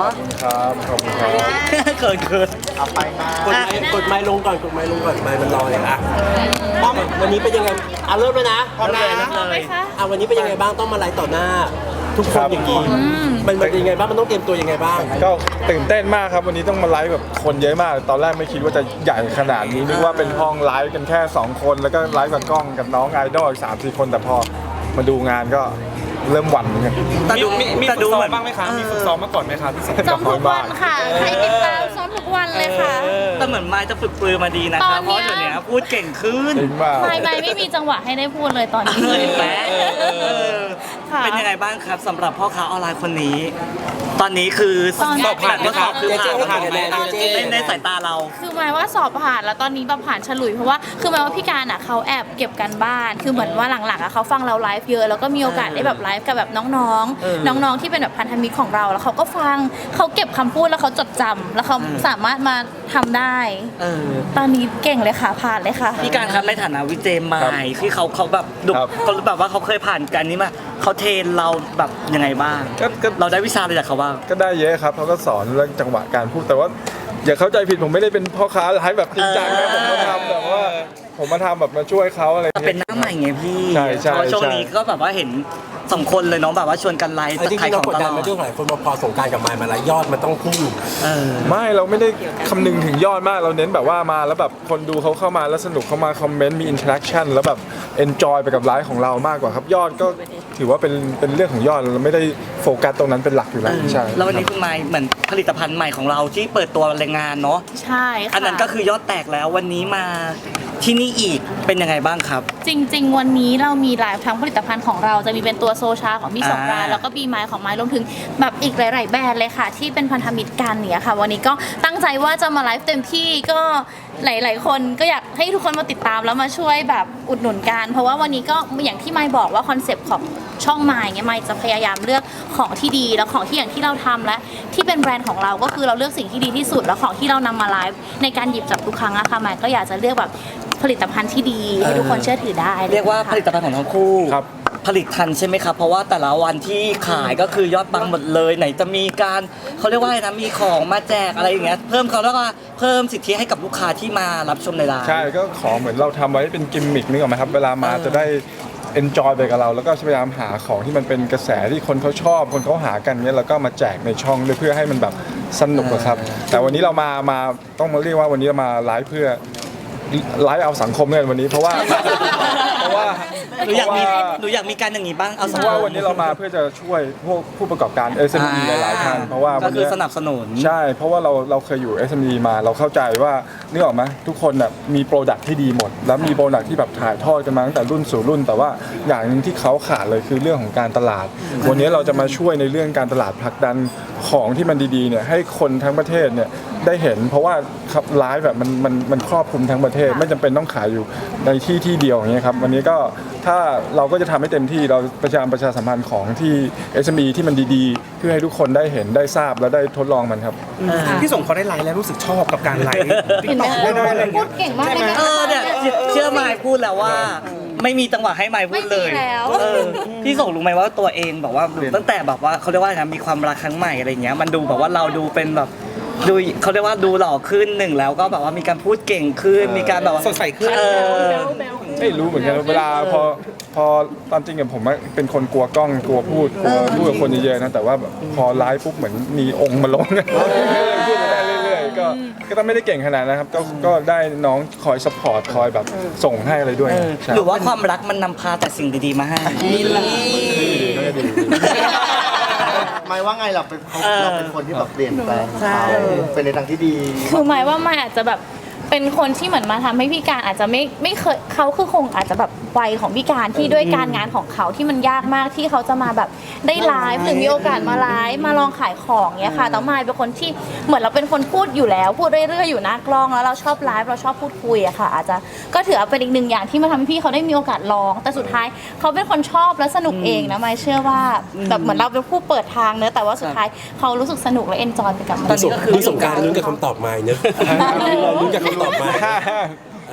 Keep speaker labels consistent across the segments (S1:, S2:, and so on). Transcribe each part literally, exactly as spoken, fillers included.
S1: ครับขอบคุณครับ
S2: เกินเกิน
S3: เอาไปมาก
S4: ดไม้กดไม้ลงก่อนกดไม้ลงก่อนไม้มันลอยอ่ะป้อมวันนี้เป็นยังไงอ่ะเริ่มเลยนะพร้อมนะเลยอ่ะวันนี้เป็นยังไงบ้างต้องมาไลฟ์ต่อหน้าทุกคนอย่างนี้มันมันยังไงบ้างมันต้องเตรียมตัวยังไงบ้าง
S5: ก็ตื่นเต้นมากครับวันนี้ต้องมาไลฟ์แบบคนเยอะมากตอนแรกไม่คิดว่าจะใหญ่ขนาดนี้นึกว่าเป็นห้องไลฟ์กันแค่สองคนแล้วก็ไลฟ์กับกล้องกับน้องไอดอลอีกสามสี่คนแต่พอมาดูงานก็เริ่มหวั่นเหมือนกัน
S2: แต่ดู
S5: มีมีฝึกซ้อมบ้างไหมคะมีฝึกซ้อมมาก่อนไหมคะพี่สม
S6: ซ้อมทุกวันค่ะใครติดตามซ้อมทุกวันเลยค่ะ
S2: แต่เหมือนไม้จะฝึกปรือมาดีนะครับเพราะเดี๋ยวนี้พูดเก่งขึ้น
S6: ไม่ไม่ไม่มีจังหวะให้ได้พูดเลยตอนนี้
S2: แป๊ะเป็นยังไงบ้างครับสำหรับพ่อค้าออนไลน์คนนี้ ตอนนี้คือสอบผ่านก็สอบคือผ่านผ่านในในสายตาเรา
S6: คือหมายว่าสอบผ่านแล้วตอนนี้แบบผ่านฉลุยเพราะว่าคือหมายว่าพี่การอ่ะเขาแอบเก็บกันบ้านคือเหมือนว่าหลังๆอ่ะเขาฟังเราไลฟ์เยอะแล้วก็มีโอกาสได้แบบไลฟ์กับแบบน้องๆน้องๆที่เป็นแบบพันธมิตรของเราแล้วเขาก็ฟังเขาเก็บคำพูดแล้วเขาจดจำแล้วเขาสามารถมาทำได้ตอนนี้เก่งเลยค่ะผ่านเลยค่ะ
S2: พี่การครับในฐานะวิเจมายที่เขาเขาแบบดุเขาแบบว่าเขาเคยผ่านกันนี้มาเขาเทรนเราแบบยังไงบ้างเราได้วิชาอะไรจากเขาบ้าง
S5: ก็ได้เยอะครับเขาก็สอนเรื่องจังหวะการพูดแต่ว่าอย่าเข้าใจผิดผมไม่ได้เป็นพ่อค้าไลฟ์แบบจริงจังนะผมมาทำแบบว่าผมมาทำแบบมาช่วยเขาอะไร
S2: เป็นหน้าใหม่ไงพี่
S5: ใช่ใช่
S2: ช่วงนี้ก็แบบว่าเห็นสองคนเลยน้องแบบว่าชวนกันไลฟ์
S4: จริงๆเรากดดันมาด้วยหลายคนพอสงการกับมายมาแล้วยอดมันต้องพุ่ง
S5: ไม่เราไม่ได้คำนึงถึงยอดมากเราเน้นแบบว่ามาแล้วแบบคนดูเขาเข้ามาแล้วสนุกเข้ามาคอมเมนต์มีอินเทอร์แอคชั่นแล้วแบบเอนจอยไปกับไลฟ์ของเรามากกว่าครับยอดก็ถือว่าเป็นเป็นเรื่องของยอดเราไม่ได้โฟกัสตรงนั้นเป็นหลักอยู่แล้วใช่
S2: แล้ววันนี้คุณไมค์เหมือนผลิตภัณฑ์ใหม่ของเราที่เปิดตัวแรงงานเนาะ
S6: ใช่ค่ะ
S2: อันนั้นก็คือยอดแตกแล้ววันนี้มาที่นี่อีกเป็นยังไงบ้างครับ
S6: จริงๆวันนี้เรามีไลฟ์ทั้งผลิตภัณฑ์ของเราจะมีเป็นตัวโซชาของพี่สงกรานต์แล้วก็บีไมล์ของไมล์รวมถึงแบบอีกหลายๆแบรนด์เลยค่ะที่เป็นพันธมิตรกันเนี่ยค่ะวันนี้ก็ตั้งใจว่าจะมาไลฟ์เต็มที่ก็หลายๆคนก็อยากให้ทุกคนมาติดตามแล้วมาช่วยแบบอุดหนุนกันเพราะว่าวันนี้ก็อย่างที่ไมล์บอกว่าคอนเซปต์ของช่องไมล์เนี่ยไมล์จะพยายามเลือกของที่ดีแล้วของที่อย่างที่เราทำและที่เป็นแบรนด์ของเราก็คือเราเลือกสิ่งที่ดีที่สุดแล้วของที่เรานำมาไลฟ์ในการหยิบจับทุกครั้งอะค่ะไมล์ก็อยากจะเลือกแบบผลิตภัณฑ์ที่ดีให้ทุกคนเชื่อถือได้
S2: เรียกว่าผลิตภัณฑ์ของทั้งคู่ผลิตทันใช่ไหมครับเพราะว่าแต่ละวันที่ขายก็คือยอดปังหมดเลยไหนจะมีการเขาเรียกว่าอะไรนะมีของมาแจกอะไรอย่างเงี้ยเพิ่มเขาแล้วก็เพิ่มสิทธิให้กับลูกค้าที่มารับชมในร้าน
S5: ใช่ก็ขอเหมือนเราทำไว้เป็นกิมมิคนึกออกไหมครับเวลามาจะได้เอนจอยไปกับเราแล้วก็พยายามหาของที่มันเป็นกระแสที่คนเขาชอบคนเขาหากันเนี้ยแล้วก็มาแจกในช่องด้วยเพื่อให้มันแบบสนุกครับแต่วันนี้เรามามาต้องมาเรียกว่าวันนี้เรามาไลฟ์เพื่อไลฟ์เอาสังคมเนี่ยวันนี้เพราะว่าเพราะว่า
S2: หนูอยากมีหนูอยากมีการอย่างนี้บ้างเอาสั
S5: กว่าวันนี้เรามาเพื่อจะช่วยพวกผู้ประกอบการ เอส เอ็ม อี หลายๆท่านเพราะว่า
S2: ก็คือสนับสนุน
S5: ใช่เพราะว่าเราเราเคยอยู่ เอส เอ็ม อี มาเราเข้าใจว่านึกออกไหมทุกคนน่ะมีโปรดักที่ดีหมดแล้วมีโปรดักที่แบบถ่ายทอดกันมาตั้งแต่รุ่นสู่รุ่นแต่ว่าอย่างนึงที่เขาขาดเลยคือเรื่องของการตลาดวันนี้เราจะมาช่วยในเรื่องการตลาดผลักดันของที่มันดีๆเนี่ยให้คนทั้งประเทศเนี่ยได้เห็นเพราะว่าไลฟ์แบบมันมันมันครอบคลุมทั้งประเทศไม่จำเป็นต้องขายอยู่ในที่ที่เดียวอย่างเงี้ยครับวันนี้ก็ถ้าเราก็จะทำให้เต็มที่เราประชาประชาสัมพันธ์ของที่ เอส เอ็ม อี ที่มันดีๆเพื่อให้ทุกคนได้เห็นได้ทราบและได้ทดลองมันครับ
S4: ที่ส่งเขาได้ไลฟ์แล้วรู้สึกชอบกับการไลฟ์
S6: เห็นไหมพูดเก่งมากเลยนะ
S2: เออเนี่ยเชื่อไมค์พูดแล้วว่าไม่มีจังหวะให้ไมค์พูดเลยพี่ส่งรู้ไหมว่าตัวเองบอกว่าตั้งแต่แบบว่าเขาเรียกว่านะมีความรักครั้งใหม่อะไรเงี้ยมันดูแบบว่าเราดูเป็นแบบดูเขาเรียกว่าดูหล่อขึ้นหนึ่งแล้วก็แบบว่ามีการพูดเก่งขึ้นมีการแบบ
S4: สดใสขึ้น
S5: ไม่รู้เหมือนกันเวลาพอพอตามจริงกับผมเป็นคนกลัวกล้องกลัวพูดกลัวพูดกับคนเยอะๆนะแต่ว่าพอไลฟ์ปุ๊บเหมือนมีองค์มาลงพูดได้เรื่อยๆก็ก็ต้องไม่ได้เก่งขนาดนะครับก็ก็ได้น้องคอยซัพพอร์ตคอยแบบส่งให้อะไรด้วย
S2: หรือว่าความรักมันนำพาแต่สิ่งดีๆมาให้
S3: หมายว่าไงเราเป็นเราเป็นคนที่แบบเปลี่ยนแปลงเขาเป็นในทางที่ดี
S6: คือหมายว่าไม่อาจจะแบบเป็นคนที่เหมือนมาทำให้พี่การอาจจะไม่ไม่เคยเขาคือคงอาจจะแบบวัยของพี่การที่ด้วยการงานของเขาที่มันยากมากที่เขาจะมาแบบได้ไลฟ์หรือมีโอกาสมาไลฟ์มาลองขายของเนี้ยค่ะแต่มายเป็นคนที่เหมือนเราเป็นคนพูดอยู่แล้วพูดเรื่อยๆอยู่หน้ากล้องแล้วเราชอบไลฟ์เราชอบพูดคุยอะค่ะอาจจะก็ถือเป็นอีกหนึ่งอย่างที่มาทำให้พี่เขาได้มีโอกาสลองแต่สุดท้ายเขาเป็นคนชอบและสนุกเองนะมายเชื่อว่าแบบเหมือนเราเป็นผู้เปิดทางเนอะแต่ว่าสุดท้ายเขารู้สึกสนุกและเอนจอยไปกับมัน
S4: นี่สงการลุ้นกับคำตอบมายเนอะลุ้นกับคำตอบมา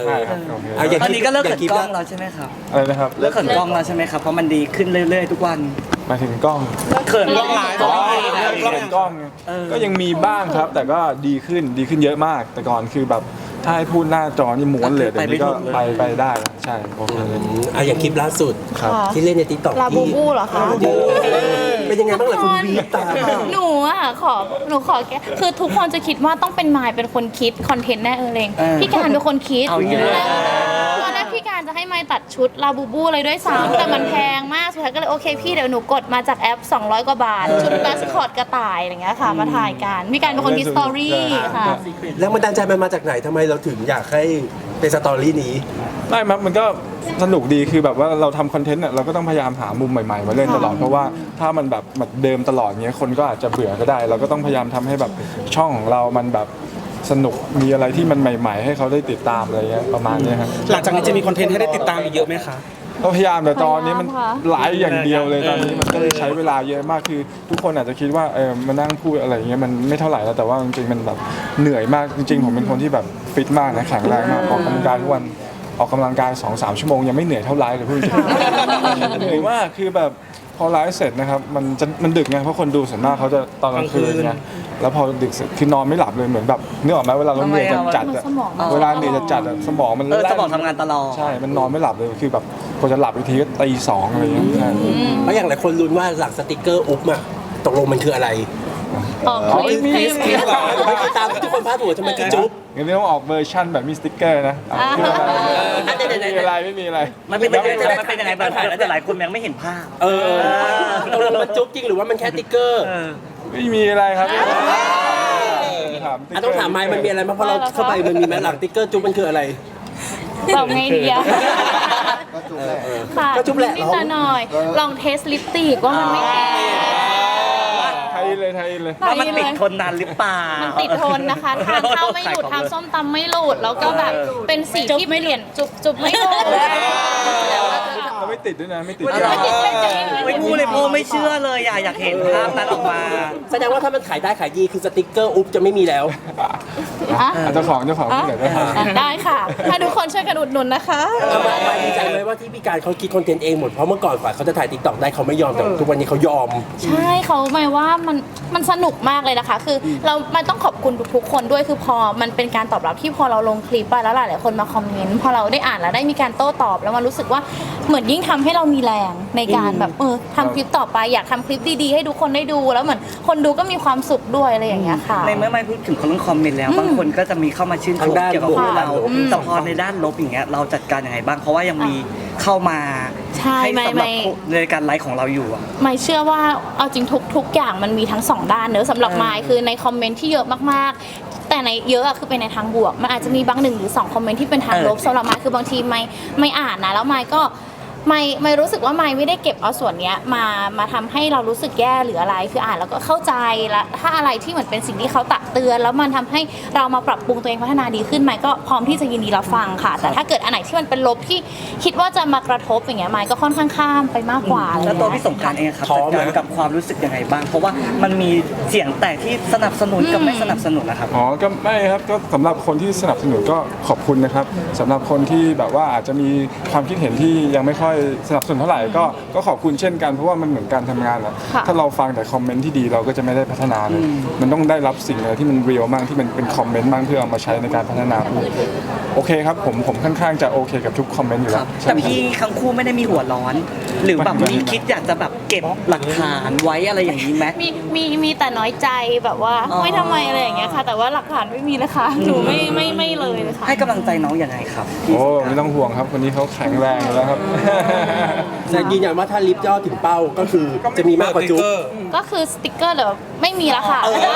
S5: ใช่ครับโอเค
S4: อ่ะอย่า
S2: ตอนนี้ก็เลิก
S4: อ
S2: เขิ
S4: ย่าน คิด
S2: กล้
S4: ว่า
S2: องแล้วใช่ไหมครับ
S5: อะไรนะครับ
S2: เลิกเขินกล้องแล้วใช่ไหมครับเพราะมันดีขึ้นเรื่อยๆทุกวัน
S5: หมายถึงกล้อง
S2: เขินกล้องหลาย
S5: อ๋อ
S2: เอง
S5: เรื่องกล้อง
S2: เออ
S5: ก็ยังมีบ้างครับ แต่ก็ดีขึ้นดีขึ้นเยอะมาก แต่ก่อนคือแบบถ้าให้พูดหน้าจอนี่ม้วนเลยเดี๋ยวนี้ก็ไปไปได้แล้วใช่โอเค
S4: อ่ะอย่างคลิปล่าสุด
S5: ครับ
S4: ที่เล่นในติ๊กต็อก
S6: ลาบูบูเหรอคะ
S4: เป็นยังไงบ้างล่ะคุณวีตาม
S6: หนูอ่ะขอหนูขอแกคือทุกคนจะคิดว่าต้องเป็นมายเป็นคนคิดคอนเทนต์แน่เออเลง
S2: เออ
S6: พี่การเป็นคนคิด
S2: เอาอย่างนี้
S6: ตอนแรกพี่การจะให้มายตัดชุดลาบูบูเลยด้วยซ้ำแต่มันแพงมากสุดท้ายก็เลยโอเคพี่เดี๋ยวหนูกดมาจากแอปสองร้อยกว่าบาท ชุดแบสคอตกระต่ายอะไรอย่างเงี้ยค่ะมาถ่ายกันพี่การเป็นคนคิดสตอรี่ค่ะ
S4: แล้วมันดันใจมันมาจากไหนทำไมเราถึงอยากให้เป็นสตอรี่นี้
S5: ไม่ครับมันก็สนุกดีคือแบบว่าเราทำคอนเทนต์เนี่ยเราก็ต้องพยายามหามุมใหม่ๆมาเล่นตลอดเพราะว่าถ้ามันแบบแบบเดิมตลอดเงี้ยคนก็อาจจะเบื่อก็ได้ เราก็ต้องพยายามทำให้แบบช่องของเรามันแบบสนุกมีอะไรที่มันใหม่ ๆ ให้เขาได้ติดตามอะไรเงี้ยประมาณเนี้ยครับ
S1: หลังจากนี้จะมีคอนเทนต์ให้ได้ติดตามอีกเยอะไหมคะ
S5: ก็พยายามแต่ตอนนี้มัน
S6: พยายามค่ะ
S5: ไลฟ์อย่างเดียวเลยตอนนี้มันก็เลยใช้เวลาเยอะมากคือ ทุกคนอาจจะคิดว่าเออมานั่งพูดอะไรอย่างเงี้ยมันไม่เท่าไหร่แล้วแต่ว่าจริงๆมันแบบเหนื่อยมากจริงๆผมเป็นคนที่แบบฟิตมากนะแข็งแรงมากออกกำลังกายทุกวันออกกำลังกายสองสามชั่วโมงยังไม่เหนื่อยเท่าไลฟ์เลยพูดจริงๆเหนื่อยมากคือแบบพอไลฟ์เสร็จนะครับมันจะมันดึกไงเพราะคนดูส่วนมากเขาจะตอนกลางคืนไงแล้วพอดึกเสร็จคือนอนไม่หลับเลยเหมือนแบบนึกออกไหมเวลาเราเหนื่อยจัดๆอะ
S6: สมองมัน
S5: เวลาเหนื่อยจัดๆอะสมองมัน
S2: เออ
S5: แล่น
S2: สมองทำงานตลอด
S5: ใช่ มันนอนไม่หลับเลย คือแบบกว่าจะหลับอีกทีก็ตีสองอะไรอย่างเงี้ยใช่
S4: เพราะอย่างหลายคนลุ้นว่าหลังสติกเกอร์อุ๊บอะตกลงมันคืออะไร
S6: ออกคลิป
S5: มี
S6: คลิป
S4: ไม่เคยตามทุกคนพาดหัวจะมันคือจุ๊บ
S5: งั้นต้องออกเวอร์ชั่นแบบมีสติ๊กเกอร์นะเอาไม่มีอะไรไม่มีอะไร
S2: มันเป็นยังไงมันเป็นยังไงบ้างแต่หลายคนยังไม่เห็นภาพ
S4: เออตกลงมันจุ๊บจริงหรือว่ามันแค่ติ๊กเกอร์
S2: เออ
S5: ไม่มีอะไรครับถาม
S4: อ่ะต้องถามไมค์มันมีอะไรบ้างเพราะเราเข้าไปมันมีไหมหลังติ๊กเกอร์จุ๊บมันคืออะไร
S6: บอกไงดีอะ
S3: ก็จุ๊บแหละ
S6: ค่ะ
S4: ก็จุ๊บแหละ
S6: นิดๆหน่อยๆลองเทสลิปสติกว่ามันไม่แพ้
S5: ไทยเลยไทยเลย
S2: ว่ามันติดทนนานหรือเปล่า
S6: มั
S2: มัน
S6: ติดทนนะคะทานข้าวไม่หลุดทานส้มตำไม่หลุดแล้วก็แบบเป็นสีที่เปลี่ยนจุบจุบไม่หลุด
S5: เราไม่ติดด้วยนะ ไม่ติด
S6: ไม่ติดไม่ติด
S2: ไม่พูดเลยโพไม่เชื่อเลยอยากอยากเห็นภาพนั้นออกมา
S4: แสดงว่าถ้ามันขายได้ขายดีคือสติกเกอร์อุ๊บจะไม่มีแล้ว
S6: อ่ะ
S5: เจ้าของเจ้าของที่ไหนได้
S6: อ่ะได้ค่ะ ถ้าทุกคนช่วยกันอุดหนุนนะคะ
S4: เอามามาดีใจไหมว่าที่พี่การเขาคิดคอนเทนต์เองหมดเพราะเมื่อก่อนฝ่ายเขาจะถ่ายติ๊กต็อกได้เขาไม่ยอมแต่ทุกวันนี้เขายอม
S6: ใช่เขาหมายว่ามันมันสนุกมากเลยนะคะ คือเรามันต้องขอบคุณทุกๆคนด้วยคือพอมันเป็นการตอบรับที่พอเราลงคลิปไปแล้วหลายๆคนมาคอมเมนต์พอเราได้อ่านแล้วได้มีการโต้ตอบแล้วมันรู้สึกว่าเหมือนยิ่งทำให้เรามีแรงในการแบบเออทำคลิปต่อไปอยากทำคลิปดีๆให้ทุกคนได้ดูแล้วเหมือนคนดูก็มีความสุขด้วยอะไรอย่างเงี้ยค่ะ
S2: ในเมื่อไม่พูดถึงเรื่องคอมเมนต์แล้วบางคนก็จะมีเข้ามาชื่นช
S4: ทาม งด้าน
S2: เกี่ยวกับพวกเรา
S4: ลบ
S2: แต่พอในด้านลบอย่างเงี้ยเราจัดการยังไงบ้างเพราะว่ายังมีเข้ามา
S6: ใช่
S2: ให้
S6: ไม่
S2: สำหรับ
S6: ไม่
S2: ในการไลฟ์ของเราอยู่อะ
S6: ไม่เชื่อว่าเอาจริงทุกทุกอย่างมันมีทั้งสองด้านเนอะสำหรับ
S2: เออ
S6: ไมค์คือในคอมเมนต์ที่เยอะมากๆ แต่ในเยอะอะคือเป็นในทางบวกมันอาจจะมีบางหนึ่งหรือสองคอมเมนต์ที่เป็นทางลบสำหรับไมค์คือบางทีไม่ไม่อ่านนะแล้วไมค์ก็ไม่ไม่รู้สึกว่าไม่ไม่ได้เก็บเอาส่วนเนี้ยมามาทำให้เรารู้สึกแย่หรืออะไรคืออ่านแล้วก็เข้าใจแล้วถ้าอะไรที่เหมือนเป็นสิ่งที่เขาตักเตือน แล้วมันทำให้เรามาปรับปรุงตัวเองพัฒนาดีขึ้นไมค์ก็พร้อมที่จะยินดีรับฟังค่ะ แต่ถ้าเกิดอันไหนที่มันเป็นลบที่คิดว่าจะมากระทบอย่างเงี้ยไมค์ก็ค่อนข้างข้ามไปมากกว่าอะไร
S2: แล้ว
S6: เงี้ย
S2: ตัวพี่สงกรารเองครับ
S4: ท้อ
S2: จัด
S4: ไหม
S2: การกับความรู้สึกยังไงบ้าง เพราะว่ามันมีเสียงแตกที่สนับสนุนกับไม่สนับสนุนนะครับ
S5: อ๋อ ก็ไม่ครับ ก็สำหรับคนที่สนับสนุนก็ขอบคุณนะครับสำหรับคนที่แบบว่าอาจจะมีความคิดเห็นที่ยังไม่ค่อยสนับสนุนเท่าไหร่ก็ก็ขอบคุณเช่นกันเพราะว่ามันเหมือนการทำงานแหละ
S6: ค่ะ
S5: ถ้าเราฟังแต่คอมเมนต์ที่ดีเราก็จะไม่ได้พัฒนาเลยมันต้องได้รับสิ่งอะไรที่มันเรียลมากที่มันเป็นคอมเมนต์บ้างเพื่อเอามาใช้ในการพัฒนาโอเคครับผมผมค่อนข้างจะโอเคกับทุกคอมเมนต์อยู่
S2: ค
S5: แล้
S2: รั
S5: ว
S2: บ
S5: ใช่
S2: แต่พี่ทั้งคู่ไม่ได้มีหัวร้อน หรือแบบมีคิดอยากจะแบบเก็บหลักฐานไว้อะไรอย่างนี้ไหม
S6: มีมีมีแต่น้อยใจแบบว่า
S2: อ๋อ
S6: ไม่ทำไมอะไรอย่างเงี้ยค่ะ แต่ว่าหลักฐานไม่มีนะคะหนูไม่ไม่ไม่เลยเลยค่ะ
S2: ให้กำลังใจน้องยังไงครับพี่
S5: โอ้
S2: สงกรานต์
S5: ไม่ต้องห่วงครับคนนี้เขาแข็งแรงอยู่แล้วครับ
S4: แต่ยืนยันว่าถ้าลิฟต์ยอดถึงเป้าก็คือจะมีมากกว่าจุ๊บ
S6: ก็คือสติกเกอร์เดี๋ยวไม่มีแล้วค่ะ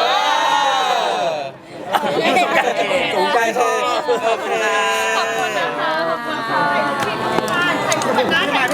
S4: สงใจเธอ
S6: ขอบคุณนะคะขอบคุณค่ะ